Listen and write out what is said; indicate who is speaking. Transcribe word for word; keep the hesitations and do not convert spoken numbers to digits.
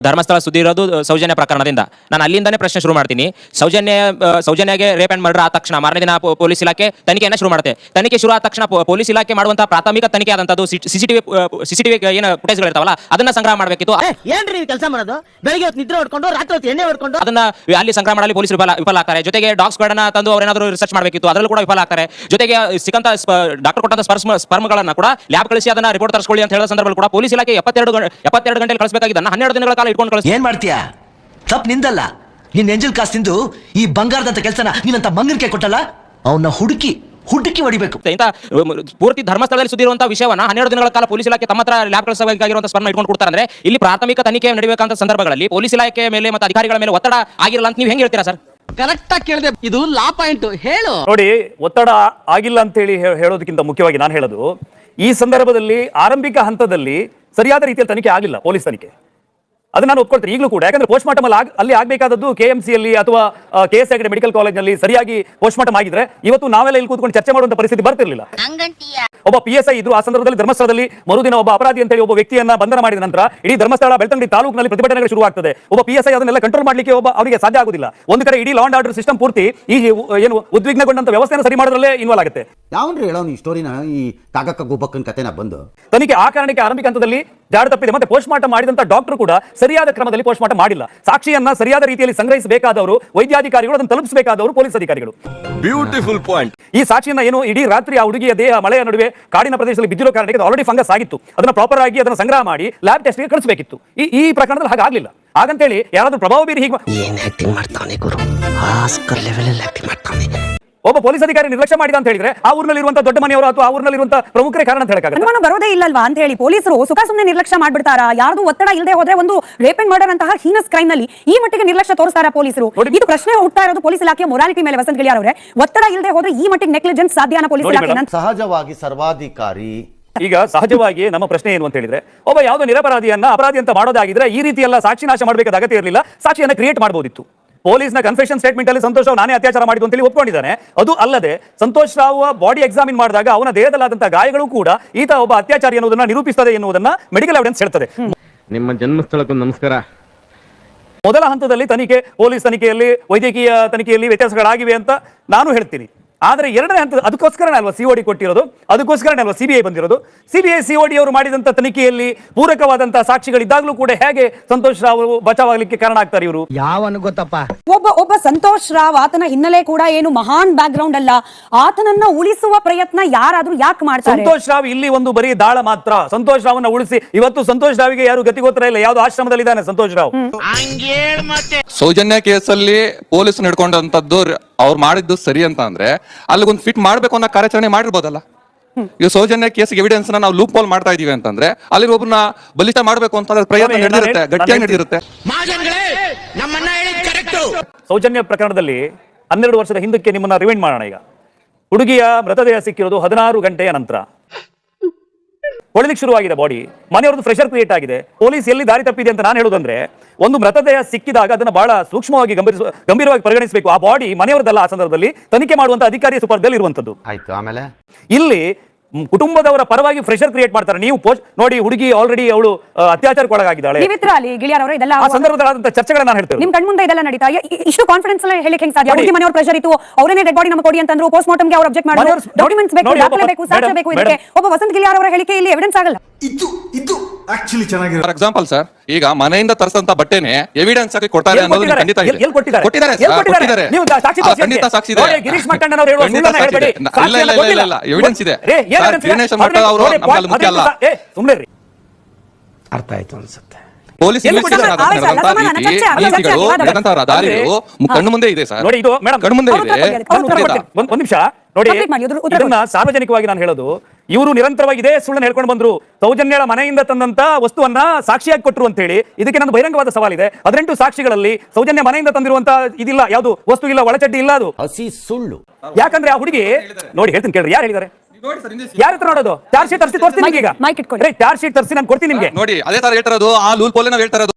Speaker 1: ಧರ್ಮಸ್ಥಳ ಸುದ್ದಿ ಇರೋದು ಸೌಜನ್ಯ ಪ್ರಕರಣದಿಂದ. ನಾನು ಅಲ್ಲಿಂದಾನೇ ಪ್ರಶ್ನೆ ಶುರು ಮಾಡ್ತೀನಿ. ಸೌಜನ್ಯ ಸೌಜನ್ಯಗೆ ರೇಪ್ ಅಂಡ್ ಮರ್ಡರ್ ಆದ ತಕ್ಷಣ ಮಾರನೇ ದಿನ ಪೊಲೀಸ್ ಇಲಾಖೆ ತನಿಖೆಯನ್ನು ಶುರು ಮಾಡುತ್ತೆ. ತನಿಖೆ ಶುರು ಆದ ತಕ್ಷಣ ಪೊಲೀಸ್ ಇಲಾಖೆ ಮಾಡುವಂತಹ ಪ್ರಾಥಮಿಕ ತನಿಖೆ ಆದಂತದ್ದು ಸಿಸಿಟಿವಿ ಸಿಸಿಟಿವಿ ಏನು ಫುಟೇಜ್ಗಳು ಇರ್ತಾವಲ್ಲ ಅದನ್ನ ಸಂಗ್ರಹ ಮಾಡಬೇಕಿತ್ತು.
Speaker 2: ಏನ್ರಿ ಕೆಲಸ ಮಾಡೋದು? ಬೆಳಿಗ್ಗೆ ಹೊತ್ತು ನಿದ್ರೆ ಹೊಡ್ಕೊಂಡು ರಾತ್ರಿ ಹೊತ್ತು ಎಣ್ಣೆ ಹೊಡ್ಕೊಂಡು
Speaker 1: ಅದನ್ನ ಅಲ್ಲಿ ಸಂಗ್ರಹ ಮಾಡಲಿ ಪೊಲೀಸರು ವಿಫಲ ವಿಫಲ ಆಗ್ತಾರೆ. ಜೊತೆಗೆ ಡಾಗ್ಸ್ ಗಳನ್ನ ತಂದು ಅವರೇನಾದರೂ ರಿಸರ್ಚ್ ಮಾಡಬೇಕಿತ್ತು, ಅದರಲ್ಲೂ ಕೂಡ ವಿಫಲ ಆಗ್ತಾರೆ. ಜೊತೆಗೆ ಸಿಕ್ಕಂತ ಡಾಕ್ಟರ್ ಕೊಟ್ಟಂತ ಸ್ಪರ್ಮ ಸ್ಪರ್ಮಗಳನ್ನ ಕೂಡ ಲ್ಯಾಬ್ ಕಳಿಸಿ ಅದನ್ನ ರಿಪೋರ್ಟ್ ತರಿಸ್ಕೊಳ್ಳಿ ಅಂತ ಹೇಳೋ ಸಂದರ್ಭದಲ್ಲಿ ಕೂಡ ಪೊಲೀಸ್ ಇಲಾಖೆ ಎಪ್ಪತ್ತೆರಡು ಎಪ್ಪತ್ತೆರಡು ಗಂಟೆಗೆ ಕಳಿಸಬೇಕಾಗಿದ್ದನ್ನ ಹನ್ನೆರಡು ದಿನಗಳ ಕಾಲ ಇಟ್ಕೊಂಡು ಕಳಿಸಿ
Speaker 3: ಏನ್ ಮಾಡ್ತೀಯಾ? ತಪ್ಪು ನಿಂದಲ್ಲ. ನಿನ್ ಎಂಜಲ್ ಕಾಸ್ ತಿಂದು ಈ ಬಂಗಾರದಂತ ಕೆಲಸನ ನೀನಂತ ಮಂಗನ ಕೈ ಕೊಟ್ಟಲ್ಲ, ಅವನ್ನ ಹುಡುಕಿ ಹುಡುಕಿ ಹೊಡಿಬೇಕು.
Speaker 1: ಇಂತ ಪೂರ್ತಿ ಧರ್ಮಸ್ಥಳದಲ್ಲಿ ಸುದ್ದಿರುವಂತಹ ವಿಷಯವನ್ನ ಹನ್ನೆರಡು ದಿನಗಳ ಕಾಲ ಪೊಲೀಸ್ ಇಲಾಖೆ ತಮ್ಮ ಹತ್ರ ಲ್ಯಾಬ್ ಕಳಿಸಬೇಕಾಗಿರುವಂತಹ ಸ್ಪರ್ಮ ಇಟ್ಕೊಂಡು ಕೊಡ್ತಾರೆ ಅಂದ್ರೆ ಇಲ್ಲಿ ಪ್ರಾಥಮಿಕ ತನಿಖೆ ನಡೆಯಬೇಕಂತ ಸಂದರ್ಭಗಳಲ್ಲಿ ಪೊಲೀಸ್ ಇಲಾಖೆ ಮೇಲೆ ಮತ್ತು ಅಧಿಕಾರಿಗಳ ಮೇಲೆ ಒತ್ತಡ ಆಗಿರಲ್ಲ ಅಂತ ನೀವು ಹೆಂಗೆ ಹೇಳ್ತೀರಾ ಸರ್?
Speaker 2: ಕರೆಕ್ಟ್ ಆಗಿ ಕೇಳಿದೆ. ಇದು ಲಾ ಪಾಯಿಂಟ್ ಹೇಳು.
Speaker 4: ನೋಡಿ, ಒತ್ತಡ ಆಗಿಲ್ಲ ಅಂತ ಹೇಳಿ ಹೇಳೋದಕ್ಕಿಂತ ಮುಖ್ಯವಾಗಿ ನಾನು ಹೇಳೋದು, ಈ ಸಂದರ್ಭದಲ್ಲಿ ಆರಂಭಿಕ ಹಂತದಲ್ಲಿ ಸರಿಯಾದ ರೀತಿಯಲ್ಲಿ ತನಿಖೆ ಆಗಿಲ್ಲ, ಪೊಲೀಸ್ ತನಿಖೆ. ಅದನ್ನ ನಾನು ಒಪ್ಕೊಳ್ತೀನಿ ಈಗಲೂ ಕೂಡ. ಯಾಕಂದ್ರೆ ಪೋಸ್ಟ್ ಮಾರ್ಟಮ್ ಅಲ್ಲಿ ಆಗಬೇಕಾದದ್ದು ಕೆ ಎಂ ಸಿ ಅಲ್ಲಿ ಅಥವಾ K S Hegde medical college ನಲ್ಲಿ ಸರಿಯಾಗಿ ಪೋಸ್ಟ್ ಮಾರ್ಟಮ್ ಆಗಿದ್ರೆ ಇವತ್ತು ನಾವೆಲ್ಲ ಇಲ್ಲಿ ಕೂತ್ಕೊಂಡು ಚರ್ಚೆ ಮಾಡುವಂತ ಪರಿಸ್ಥಿತಿ ಬರ್ತಿರ್ಲಿಲ್ಲ. ಒಬ್ಬ ಪಿ ಎಸ್ ಐ ಇದ್ರು ಆ ಸಂದರ್ಭದಲ್ಲಿ ಧರ್ಮಸ್ಥಳದಲ್ಲಿ ಮರುದಿನ ಒಬ್ಬ ಅಪರಾಧಿ ಅಂತ ಹೇಳಿ ಒಬ್ಬ ವ್ಯಕ್ತಿಯನ್ನ ಬಂಧನ ಮಾಡಿದ ನಂತರ ಇಡೀ ಧರ್ಮಸ್ಥಳ ಬೆಳ್ತಂಗಡಿ ತಾಲೂಕಿನಲ್ಲಿ ಪ್ರತಿಭಟನೆಗಳು ಶುರು ಆಗ್ತದೆ. ಒಬ್ಬ ಪಿ ಎಸ್ ಐ ಅದನ್ನೆಲ್ಲ ಕಂಟ್ರೋಲ್ ಮಾಡಲಿಕ್ಕೆ ಒಬ್ಬ ಅವರಿಗೆ ಸಾಧ್ಯ ಆಗುದಿಲ್ಲ. ಒಂದು ಕಡೆ ಇಡೀ ಲಾ ಅಂಡ್ ಆರ್ಡರ್ ಸಿಸ್ಟಮ್ ಪೂರ್ತಿ ಈ ಏನು ಉದ್ವಿಗ್ನಗೊಂಡಂತ ವ್ಯವಸ್ಥೆಯನ್ನು ಸರಿ ಮಾಡೋದ್ರಲ್ಲೇ ಇನ್ವಾಲ್ವ್ ಆಗುತ್ತೆ.
Speaker 5: ಯಾವನ್ರಿ ಹೇಳೋ ಈ ಸ್ಟೋರಿನ, ಈ ಕಾಕಕ್ಕ ಗೋಪಕ್ಕನ ಕಥೆನ ಬಂದು
Speaker 4: ತನಿಖೆ ಆ ಕಾರಣಕ್ಕೆ ಆರಂಭಿಕ ಹಂತದಲ್ಲಿ ಜಾಡು ತಪ್ಪಿದೆ. ಮತ್ತೆ ಪೋಸ್ಟ್ ಮಾರ್ಟಮ್ ಮಾಡಿದಂತ ಡಾಕ್ಟರ್ ಕೂಡ ಸರಿಯಾದ ಕ್ರಮದಲ್ಲಿ ಪೋಸ್ಟ್ ಮಾರ್ಟಮ್ ಮಾಡಿಲ್ಲ. ಸಾಕ್ಷಿಯನ್ನ ಸರಿಯಾದ ರೀತಿಯಲ್ಲಿ ಸಂಗ್ರಹಿಸಬೇಕಾದವರು ವೈದ್ಯಾಧಿಕಾರಿಗಳು, ಅದನ್ನು ತಲುಪಿಸಬೇಕಾದವರು ಪೊಲೀಸ್ ಅಧಿಕಾರಿಗಳು.
Speaker 6: Beautiful point.
Speaker 4: ಈ ಸಾಕ್ಷಿಯನ್ನ ಏನು ಇಡೀ ರಾತ್ರಿ ಆ ಹುಡುಗಿಯ ದೇಹ ಮಳೆಯ ನಡುವೆ ಕಾಡಿನ ಪ್ರದೇಶದಲ್ಲಿ ಬಿದ್ದಿರೋ ಕಾರಣಕ್ಕೆ ಆಲ್ರೆಡಿ ಫಂಗಸ್ ಆಗಿತ್ತು. ಅದನ್ನ ಪ್ರಾಪರ್ ಆಗಿ ಅದನ್ನ ಸಂಗ್ರಹ ಮಾಡಿ ಲ್ಯಾಬ್ ಟೆಸ್ಟ್ಗೆ ಕಳಿಸಬೇಕಿತ್ತು. ಈ ಈ ಪ್ರಕರಣದಲ್ಲಿ ಹಾಗಾಗ್ಲಿಲ್ಲ. ಹಾಗಂತೇಳಿ ಯಾರಾದ್ರೂ ಪ್ರಭಾವ ಬೀರಿ ಹೀಗೆ
Speaker 2: ಏನ್ ಆಕ್ಟಿಂಗ್ ಮಾಡ್ತಾನೆ ಗುರು, ಆಸ್ಕರ್ ಲೆವೆಲ್ ಅಲ್ಲಿ ಆಕ್ಟಿಂಗ್ ಮಾಡ್ತಾನೆ.
Speaker 4: ಒಬ್ಬ ಪೊಲೀಸ್ ಅಧಿಕಾರಿ ನಿರ್ಲಕ್ಷ್ಯ ಮಾಡಿದ ಅಂತ ಹೇಳಿದ್ರೆ ಆ ಊರಿನಲ್ಲಿ ಇರುವಂತಹ ದೊಡ್ಡ ಮನೆಯವರು ಅಥವಾ ಆ ಊರಿನಲ್ಲಿ ಇರುವಂತಹ ಪ್ರಮುಖರೇ ಕಾರಣ ಅಂತ ಹೇಳಕ್ಕಾಗಲ್ಲ.
Speaker 7: ಅನುಮಾನ ಬರೋದೇ ಇಲ್ಲಲ್ವಾ ಅಂತ ಹೇಳಿ ಪೊಲೀಸರು ಸುಖ ಸುಮ್ಮನೆ ನಿರ್ಲಕ್ಷ್ಯ ಮಾಡ್ಬಿಡ್ತಾರಾ? ಯಾರ್ದು ಒತ್ತಡ ಇಲ್ಲದೆ ಹೋದ್ರೆ ಒಂದು ರೇಪ್ ಅಂಡ್ ಮರ್ಡರ್ ಅಂತಹ ಹೀನಸ್ ಕ್ರೈಮ್ ನಲ್ಲಿ ಈ ಮಟ್ಟಿಗೆ ನಿರ್ಲಕ್ಷ್ಯ ತೋರಿಸ್ತಾರಾ ಪೊಲೀಸರು? ಇದು ಪ್ರಶ್ನೆ ಹುಟ್ಟುತ್ತಾ ಇರೋದು ಪೊಲೀಸ್ ಇಲಾಖೆಯ ಮೊರಾಲಿಟಿ ಮೇಲೆ. ವಸಂತ್ ಗಿಳಿಯಾರ್ ಅವರೇ, ಒತ್ತಡ ಇಲ್ಲದೆ ಹೋದ್ರೆ ಈ ಮಟ್ಟಿಗೆ ನೆಗ್ಲಿಜೆನ್ಸ್ ಸಾಧ್ಯನಾ ಪೊಲೀಸ್ ಇಲಾಖೆ?
Speaker 5: ಸಹಜವಾಗಿ ಸರ್ವಾಧಿಕಾರಿ.
Speaker 4: ಈಗ ಸಹಜವಾಗಿ ನಮ್ಮ ಪ್ರಶ್ನೆ ಏನು ಅಂತ ಹೇಳಿದ್ರೆ, ಒಬ್ಬ ಯಾವುದೋ ನಿರಪರಾಧಿಯನ್ನ ಅಪರಾಧಿ ಅಂತ ಮಾಡೋದಾಗಿದ್ರೆ ಈ ರೀತಿ ಎಲ್ಲ ಸಾಕ್ಷಿ ನಾಶ ಮಾಡಬೇಕಾದ ಅಗತ್ಯ ಇರಲಿಲ್ಲ. ಸಾಕ್ಷಿಯನ್ನ ಕ್ರಿಯೇಟ್ ಮಾಡಬಹುದಿತ್ತು. ಪೊಲೀಸ್ನ ಕನ್ಫೆಷನ್ ಸ್ಟೇಟ್ಮೆಂಟ್ ಅಲ್ಲಿ ಸಂತೋಷ್ ರಾವ್ ನಾನೇ ಅತ್ಯಾಚಾರ ಮಾಡಿದ್ದು ಅಂತ ಹೇಳಿ ಒಪ್ಕೊಂಡಿದ್ದಾನೆ. ಅದು ಅಲ್ಲದೆ ಸಂತೋಷ್ ರಾವ್ ಬಾಡಿ ಎಕ್ಸಾಮಿನ್ ಮಾಡಿದಾಗ ಅವನ ದೇಹದಲ್ಲಾದಂತಹ ಗಾಯಗಳು ಕೂಡ ಈತ ಒಬ್ಬ ಅತ್ಯಾಚಾರಿ ಎನ್ನುವುದನ್ನ ನಿರೂಪಿಸುತ್ತದೆ ಎನ್ನುವುದನ್ನ ಮೆಡಿಕಲ್ ಎವಿಡೆನ್ಸ್ ಹೇಳ್ತದೆ.
Speaker 6: ನಿಮ್ಮ ಜನ್ಮಸ್ಥಳಕ್ಕೂ ನಮಸ್ಕಾರ.
Speaker 4: ಮೊದಲ ಹಂತದಲ್ಲಿ ತನಿಖೆ, ಪೊಲೀಸ್ ತನಿಖೆಯಲ್ಲಿ ವೈದ್ಯಕೀಯ ತನಿಖೆಯಲ್ಲಿ ವ್ಯತ್ಯಾಸಗಳಾಗಿವೆ ಅಂತ ನಾನು ಹೇಳ್ತೀನಿ. ಆದರೆ ಎರಡನೇ ಹಂತ ಅದಕ್ಕೋಸ್ಕರನೇ ಅಲ್ವಾ ಸಿಒಡಿ ಕೊಟ್ಟಿರೋದು, ಅದಕ್ಕೋಸ್ಕರನೇ ಅಲ್ವಾ ಸಿಬಿಐ ಬಂದಿರೋದು. ಸಿಬಿಐ ಸಿಒಡಿ ಅವರು ಮಾಡಿದಂತ ತನಿಖೆಯಲ್ಲಿ ಪೂರಕವಾದಂತಹ ಸಾಕ್ಷಿಗಳಿದ್ದಾಗಲೂ ಕೂಡ ಹೇಗೆ ಸಂತೋಷ್ ರಾವ್ ಬಚಾವಾಗಲಿಕ್ಕೆ ಕಾರಣ ಆಗ್ತಾರೆ ಇವರು?
Speaker 2: ಯಾವನು ಗೊತ್ತಪ್ಪ,
Speaker 7: ಒಬ್ಬ ಒಬ್ಬ ಸಂತೋಷ್ ರಾವ್ ಆತನ ಹಿನ್ನೆಲೆ ಕೂಡ ಏನು ಮಹಾನ್ ಬ್ಯಾಕ್ ಗ್ರೌಂಡ್ ಅಲ್ಲ. ಆತನನ್ನ ಉಳಿಸುವ ಪ್ರಯತ್ನ ಯಾರಾದ್ರೂ ಯಾಕೆ ಮಾಡ್ತಾರೆ?
Speaker 4: ಸಂತೋಷ್ ರಾವ್ ಇಲ್ಲಿ ಒಂದು ಬರೀ ದಾಳ ಮಾತ್ರ. ಸಂತೋಷ್ ರಾವ್ನ ಉಳಿಸಿ ಇವತ್ತು ಸಂತೋಷ್ ರಾವ್ಗೆ ಯಾರು ಗತಿಗೋತ್ರ ಇಲ್ಲ. ಯಾವ್ದು ಆಶ್ರಮದಲ್ಲಿ ಇದ್ದಾನೆ ಸಂತೋಷ್ ರಾವ್.
Speaker 8: ಸೌಜನ್ಯ ಕೇಸಲ್ಲಿ ಪೊಲೀಸ್ ನಡ್ಕೊಂಡಂತದ್ದು ಅವ್ರು ಮಾಡಿದ್ದು ಸರಿ ಅಂತ ಅಂದ್ರೆ ಅಲ್ಲಿಗೊಂದು ಫಿಟ್ ಮಾಡ್ಬೇಕು ಅನ್ನೋ ಕಾರ್ಯಾಚರಣೆ ಮಾಡಿರ್ಬೋದಲ್ಲ. ಈಗ ಸೌಜನ್ಯ ಕೇಸ್ ಎವಿಡೆನ್ಸ್ ನಾವು ಲೂಪ್ ಹೋಲ್ ಮಾಡ್ತಾ ಇದೀವಿ ಅಂತಂದ್ರೆ ಅಲ್ಲಿ ಒಬ್ಬರನ್ನ ಬಲಿಷ್ಠ ಮಾಡ್ಬೇಕು ಅಂತ ಪ್ರಯತ್ನ ನಡೆದಿರುತ್ತೆ, ಗಟ್ಟಿಯಾಗಿ ನಡೆದಿರುತ್ತೆ.
Speaker 4: ಸೌಜನ್ಯ ಪ್ರಕರಣದಲ್ಲಿ ಹನ್ನೆರಡು ವರ್ಷದ ಹಿಂದಕ್ಕೆ ನಿಮ್ಮನ್ನ ರಿವೈಂಡ್ ಮಾಡೋಣ. ಈಗ ಹುಡುಗಿಯ ಮೃತದೇಹ ಸಿಕ್ಕಿರೋದು ಹದಿನಾರು ಗಂಟೆಯ ನಂತರ. ಹೊಳಿಲಿಕ್ಕೆ ಶುರುವಾಗಿದೆ ಬಾಡಿ, ಮನೆಯವ್ರದ್ದು ಪ್ರೆಷರ್ ಕ್ರಿಯೇಟ್ ಆಗಿದೆ. ಪೊಲೀಸ್ ಎಲ್ಲಿ ದಾರಿ ತಪ್ಪಿದೆ ಅಂತ ನಾನು ಹೇಳೋದಂದ್ರೆ, ಒಂದು ಮೃತದೇಹ ಸಿಕ್ಕಿದಾಗ ಅದನ್ನ ಬಹಳ ಸೂಕ್ಷ್ಮವಾಗಿ ಗಂಭೀರ ಗಂಭೀರವಾಗಿ ಪರಿಗಣಿಸಬೇಕು. ಆ ಬಾಡಿ ಮನೆಯವರದಲ್ಲ, ಆ ಸಂದರ್ಭದಲ್ಲಿ ತನಿಖೆ ಮಾಡುವಂತ ಅಧಿಕಾರಿಯ ಸುಪರ್ದಲ್ಲಿ ಇರುವಂತದ್ದು.
Speaker 5: ಆಯ್ತು, ಆಮೇಲೆ
Speaker 4: ಇಲ್ಲಿ ಕುಟುಂಬದವರ ಪರವಾಗಿ ಪ್ರೆಷರ್ ಕ್ರಿಯೇಟ್ ಮಾಡ್ತಾರೆ. ನೀವು ಪೋಸ್ಟ್ ನೋಡಿ, ಹುಡುಗಿ ಆಲ್ರೆಡಿ ಅವಳು ಅತ್ಯಾಚಾರಕ್ಕೊಳಗಾಗಿದ್ದಾಳೆ. ಆ ಸಂದರ್ಭದಲ್ಲಾದಂತ ಚರ್ಚೆಗಳನ್ನ ನಾನು ಹೇಳ್ತೇನೆ.
Speaker 7: ನಿಮ್ ಕಣ್ಮುಂದೆ ಇದೆಲ್ಲ ನಡೀತಾ ಇಷ್ಟು ಕಾನ್ಫಿಡೆನ್ಸ್ ಹೇಳಿಕ್ಕೆ ಹೆಂಗ್ ಸಾಧ್ಯ? ಹುಡುಗಿ ಮನೆಯವ್ರ ಪ್ರೆಷರ್ ಇತ್ತು, ಅವರೇ ಡೆಡ್ ಬಾಡಿ ನಮಗೆ ಕೊಡಿ ಅಂತಂದ್ರು. ಪೋಸ್ಟ್ ಮಾರ್ಟಮ್ಗೆ ಅವರು ಅಬ್ಜೆಕ್ಟ್ ಮಾಡಿದ್ರು. ಡಾಕ್ಯುಮೆಂಟ್ಸ್ ಬೇಕು, ದಾಖಲೆ ಬೇಕು, ಸಾಕ್ಷ್ಯ ಬೇಕು. ಇದಕ್ಕೆ ಒಬ್ಬ ವಸಂತ್ ಗಿಳಿಯಾರ್ ಅವರ ಹೇಳಿಕೆ ಇಲ್ಲಿ ಎವಿಡೆನ್ಸ್ ಆಗಲ್ಲ.
Speaker 6: ಇದು ಇದು ಆಕ್ಚುಲಿ ಚೆನ್ನಾಗಿದೆ.
Speaker 8: ಫಾರ್ ಎಕ್ಸಾಂಪಲ್ ಸರ್, ಈಗ ಮನೆಯಿಂದ ತರಿಸಂತ ಬಟ್ಟೆನೆ ಎವಿಡೆನ್ಸ್ ಆಗಿ ಕೊಡ್ತಾರೆ ಅನ್ನೋದು ಖಂಡಿತ ಇದೆ. ಕೊಟ್ಟಿದ್ದಾರೆ, ಕೊಟ್ಟಿದ್ದಾರೆ. ಖಂಡಿತ ಸಾಕ್ಷಿ ಇದೆ.
Speaker 4: ಗಿರೀಶ್ ಮಟ್ಟಣ್ಣ ಅವರು ಹೇಳುವ ಸುಳ್ಳನ್ನ ಹೇಳಬೇಡಿ.
Speaker 8: ಇಲ್ಲ ಇಲ್ಲ ಇಲ್ಲ ಇಲ್ಲ, ಎವಿಡೆನ್ಸ್ ಇದೆ. ದಿನೇಶ್ ಮಟ್ಟ ಅವರು ನಮ್ಮಲ್ಲಿ ಮುಖ್ಯ ಅಲ್ಲ.
Speaker 4: ಸುಮ್ಮನೆ
Speaker 2: ಅರ್ಥ ಆಯ್ತು ಅನ್ಸುತ್ತೆ.
Speaker 8: ಪೊಲೀಸ್ ದಾರಿಗಳು ಕಣ್ಣು ಮುಂದೆ ಇದೆ ಸರ್.
Speaker 4: ನೋಡಿ, ಇದು ಮೇಡಮ್ ಕಣ್ಣು ಮುಂದೆ ಇದೆ. ಒಂದ್ ನಿಮಿಷ ನೋಡಿ, ಇದನ್ನ ಸಾರ್ವಜನಿಕವಾಗಿ ನಾನು ಹೇಳೋದು, ಇವರು ನಿರಂತರವಾಗಿ ಇದೇ ಸುಳ್ಳನ್ನು ಹೇಳ್ಕೊಂಡು ಬಂದ್ರು. ಸೌಜನ್ಯಳ ಮನೆಯಿಂದ ತಂದಂತ ವಸ್ತುವನ್ನ ಸಾಕ್ಷಿಯಾಗಿ ಕೊಟ್ಟರು ಅಂತ ಹೇಳಿ. ಇದಕ್ಕೆ ನನ್ನ ಬಹಿರಂಗವಾದ ಸವಾಲಿದೆ. ಹದಿನೆಂಟು ಸಾಕ್ಷಿಗಳಲ್ಲಿ ಸೌಜನ್ಯ ಮನೆಯಿಂದ ತಂದಿರುವಂತ ಇದಿಲ್ಲ, ಯಾವುದು ವಸ್ತು ಇಲ್ಲ, ಒಳಚಡ್ಡಿ ಇಲ್ಲ, ಅದು
Speaker 5: ಹಸಿ ಸುಳ್ಳು.
Speaker 4: ಯಾಕಂದ್ರೆ ಆ ಹುಡುಗಿ ನೋಡಿ, ಹೇಳ್ತೀನಿ ಕೇಳ್ರಿ, ಯಾರು ಹೇಳಿದ್ದಾರೆ? ಯಾರ ಹತ್ರ ನೋಡೋದು? ಚಾರ್ಜ್ ಶೀಟ್ ತರಿಸಿ ತೋರಿಸ್ತೀನಿ ನಿಮಗೆ. ಈಗ ಚಾರ್ಜ್ ಶೀಟ್ ತರಿಸಿ ನಾನು ಕೊಡ್ತೀನಿ ನಿಮಗೆ.
Speaker 8: ನೋಡಿ, ಅದೇ ತರ ಹೇಳ್ತಾರದು, ಆ ಲೂಲ್ ಪೋಲೆ ನಾವು ಹೇಳ್ತಾರದು.